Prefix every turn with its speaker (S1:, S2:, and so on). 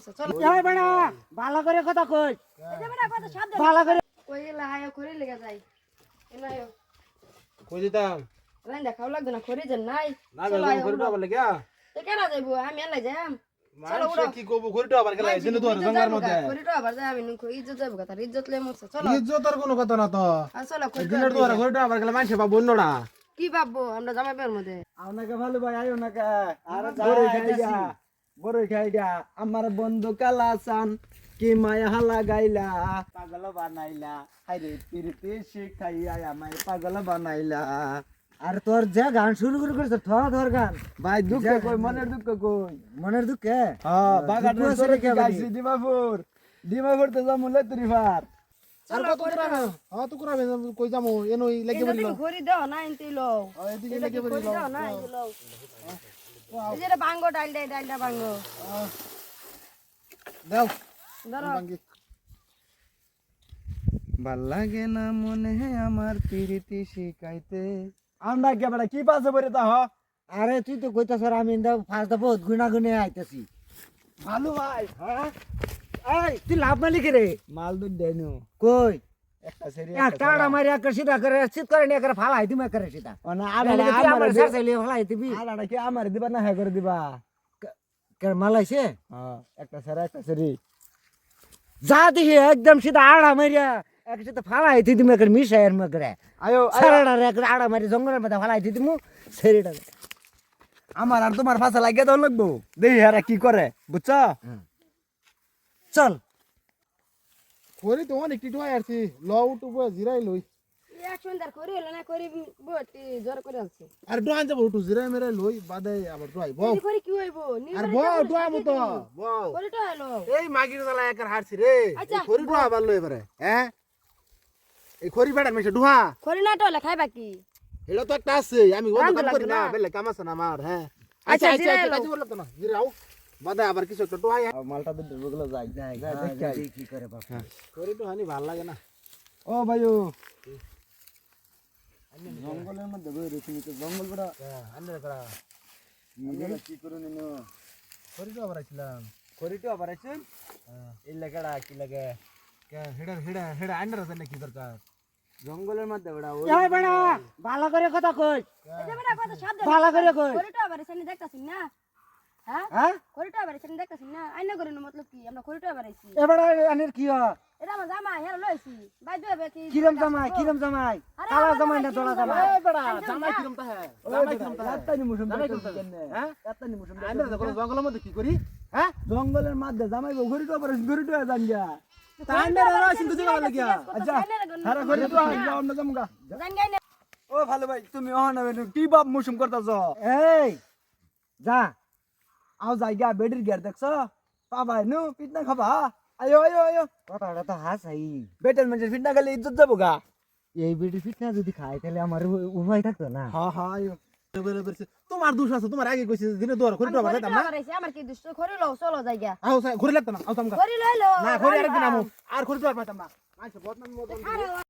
S1: মরছে চলো
S2: এই বেটা ভালো করে কথা কই
S1: এই যে বেটা কত শব্দ
S2: ভালো করে
S1: কই গেলা হায় করে লেগে যাই এনায়ো
S3: কই দিতাম
S1: রান দেখাও লাগবে না করে দেন নাই
S3: না বেলকম করিটো আবার লাগা
S1: তো কেন যাইবো আমি এলাই যাম চলো
S3: মানুষ
S1: উড়ো
S3: কি কইবো করিটো আবার গেলা এই দিনে তো জঙ্গার মধ্যে
S1: করিটো আবার যাই আমি নুকো ইজ্জত যাইবো কথা ইজ্জত লে মরছে চলো
S3: ইজ্জতের কোনো কথা না তো
S1: চলো
S3: এই দিনের তো করিটো আবার গেলা মানুষ পাবো না
S1: কি ভাববো আমরা জামাই বের মধ্যে
S2: আপনাকে ভালো ভাই আইও না কা
S4: আরে বড়ই খাইগা আমার বন্ধু কালাসান কি মায়া হালা গাইলা পাগল বানাইলা হাইরে পিরিতি শিখাইয়া আমায় পাগল বানাইলা
S2: আর তোর যে গান শুরু করে করছ ধর গান
S4: ভাই দুঃখ কই মনের দুঃখ কই
S2: মনের দুঃখে
S4: হ্যাঁ বাগানের
S2: দুঃখ
S4: সরে
S2: আছে
S4: কি
S2: রে
S4: গাইছি ডিমাপুর তো যামুলে তুরিফার
S3: আর কত করাবে হ্যাঁ তো করাবে কই যামু এনই লাগি বলিল
S1: এদিকে ঘড়ি দাও না এনতে লও
S3: এদিকে লাগি
S1: ঘড়ি
S3: বলিল
S1: দাও না এই লও এই যে বাঙ্গো ডালটা বাঙ্গো
S3: দাও
S1: ধরো
S4: ভাল লাগে না মনে আমার পিরিতি শিখাইতে আমরা কে বড় কি পাছে বরে তা হ
S2: আরে তুই তো কইতাছ আমি ফার্স্ট বহুত গুণাগুণে আইতাছি
S4: ভালো ভাই
S2: হ্যাঁ এই তুই লাভ মালিক রে
S4: মাল দুধ দেনু
S2: কই
S4: একটা সেরি
S2: টাড়া মারি একটা সিধা করে চিত করে নিয়ে করে ফালাই দিমে করে সিধা
S4: না
S2: আমার স্যার চাইলে ফালাই দিবি
S4: আলাদা কি আমার দিবা না হে করে দিবা
S2: কে মালাইছে
S4: হ্যাঁ একটা সেরা একটা সেরি
S2: যা দেখি একদম সিধা আড়া মারিয়া এক সিধা ফালাই দিমে করে মিশাইয়ের মে করে
S4: আয়ো
S2: সারাটা এক আড়া মারি জঙ্গলের মধ্যে ফালাই দিমু সেরিটা
S4: আমার আর তোমার ফাঁসা লাগিয়ে দাও লাগবো দেখি আর কি করে বুঝছ
S2: চল
S3: করি তো অনেক টিটু আইছি ল উঠবো জিরাই লই
S1: এক সুন্দর করি হলো না করি বটি জোর করে আছে
S3: আর ডোয়ান যাব উঠু জিরাই মেরে লই বাদে আবার ডোয়াই বউ
S1: এই করি কি হইবো
S3: আর বউ ডোয়া মতো বউ
S1: করিটা হলো
S3: এই মাগির গলা একার হারছি রে
S1: আচ্ছা।
S3: খড়ি ডোয়া আবার লই এবারে হ্যাঁ এই খড়ি বেড়ার মেশে ডোয়া
S1: করি না টলে খাইবা কি
S3: এটা তো একটা আছে আমি অন্য কাম করি না বেলে কাম আছে না আমার হ্যাঁ আচ্ছা আচ্ছা
S1: জিরাই
S3: আচ্ছা
S1: লও।
S3: কাজে বলতো না জিরাও বাদে আবার কিছু একটা ডোয়াই
S4: মালটা তো ঢুকলো যাই
S2: যাই কি করে বাবা
S3: খড়ি তো হানি ভাল লাগে না
S4: ও ভাইও জঙ্গলের মধ্যে বই রেখে তো জঙ্গল বড়
S3: আন্নে করা
S4: কি করে নিনো
S3: খড়ি তো আবার আইছিলাম
S4: করিটো আবার আছেন এই লাগাড়া কি লাগে
S3: হেডা হেডা হেডা আন্ডার আছে নাকি দরকার
S4: জঙ্গলের মধ্যে বড়
S2: এই বেটা ভালো করে কথা কই
S1: এই যে বেটা কত শব্দ
S2: ভালো করে কই
S1: করিটা আবার এসে দেখতাছিস না হ্যাঁ
S2: হ্যাঁ
S1: করিটা আবার এসে দেখতাছিস না আইনা করে না মতলব কি আমরা করিটা আবার আইছি
S2: এবারে আনের কি হয়
S1: এটা আমার জামা হেরা লইছি বাই দেবে কি
S2: কিরম জামাই কালা জামাই না তোলা জামাই
S3: এই বেটা জামাই কিরম তা হ্যাঁ জামাই কিরম তা হ্যাঁ
S4: এতনি মুসুম
S3: জামাই কিরম তা হ্যাঁ
S4: এতনি মুসুম
S3: আন্ডার আছে কোন জঙ্গলের মধ্যে কি করি হ্যাঁ
S4: জঙ্গলের মধ্যে জামাই ঘুরিটো আবার ঘুরিটো জান গিয়া
S3: তা আন্ডার আছে কিন্তু জায়গা লাগিয়া
S4: আচ্ছা সারা ঘুরিটো যাও না জামগা
S1: জাঙ্গাই না
S4: ও ভালো ভাই তুমি অহনা কি বাপ মুসুম করতাছ
S2: এই যা
S4: আও জায়গা বেডির গের দেখছ পাবা নু পিটনা খাবা আয়ো আয়ো আয়ো
S2: কথাটা তো হাসাই
S4: বেটের মানে পিটনা খালি ইজ্জত যাবো গা
S2: এই বেটি ফিট না যদি খাই তাহলে আমার উপায় থাকতো না
S4: হ্যাঁ হ্যাঁ আয়ো
S3: তোমার দোষ আছে তোমার আগে কইছে দিনে দোয়ার করি তো আবার
S1: করিটা
S3: না
S1: আবার আইছি আমার কি দুষ্ট করি লও চলো জায়গা
S3: আও ঘুরে লাগতো না আও তামকা
S1: করি লইলো
S3: না ঘুরে আরেকদিন আমু আর করি তো আর পাইতাম না আচ্ছা বদনাম